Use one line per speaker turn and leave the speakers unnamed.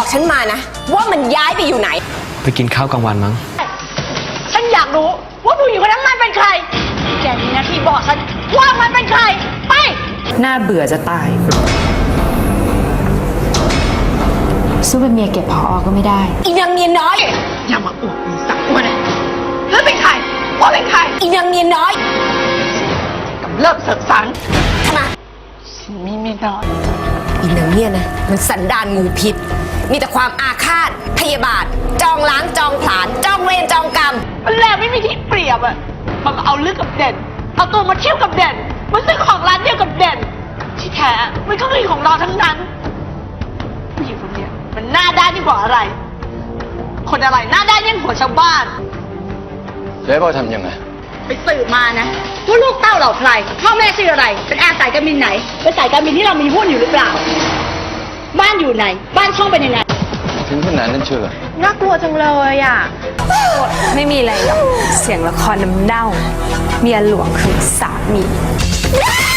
บอกฉันมานะว่ามันย้ายไปอยู่ไหน
ไปกินข้าวกลางวันมั้ง
ฉันอยากรู้ว่าผู้หญิงคนนั้นมันเป็นใครแกมีหน้าที่บอกฉันว่ามันเป็นใครไป
น่าเบื่อจะตายสู้เป็นเมียเก็บพอก็ไม่ได้
อีนางเมียน้อย
อย่ามาอวดมีสักวันนะแล้วเป็นใครว่าเป็นใคร
อีนางเมียน้อย
กับเลิกเสกสรร
ทำไม
ฉันมีเมียน้อย
อีนางเนี่ยนะมันสันดานงูพิษมีแต่ความอาฆาตพยาบาทจองล้างจองผลาญจองเวรจองกรรม
มันแล้วไม่มีที่เปรียบอ่ะมันเอาเรื่องกับเด่นเอาตัวมาเที่ยวกับเด่นมันซื้อของร้านเดียวกับเด่นที่แท้มันก็คือของเราทั้งนั้นผู้หญิงคนนี้มันหน้าด้านยิ่งกว่าอะไรคนอะไรหน้าด้านยิ่งกว่าชาวบ้าน
จะให้พ่อทำยังไง
ไปสืบมานะว่าลูกเต้าเราใครพ่อแม่ชื่ออะไรเป็นอาสายการบินไหนเป็นสายการบินที่เรามีหุ้นอยู่หรือเปล่าบ้านอยู่ไหนบ้านช่องเป็นยังไง
ถึงขนาดนั้นเชื่อ
น่ากลัวจังเลยอ่ะ
ไม่มีอะไรหรอกเสียงละครน้ำเน่าเมียหลวงคือสามี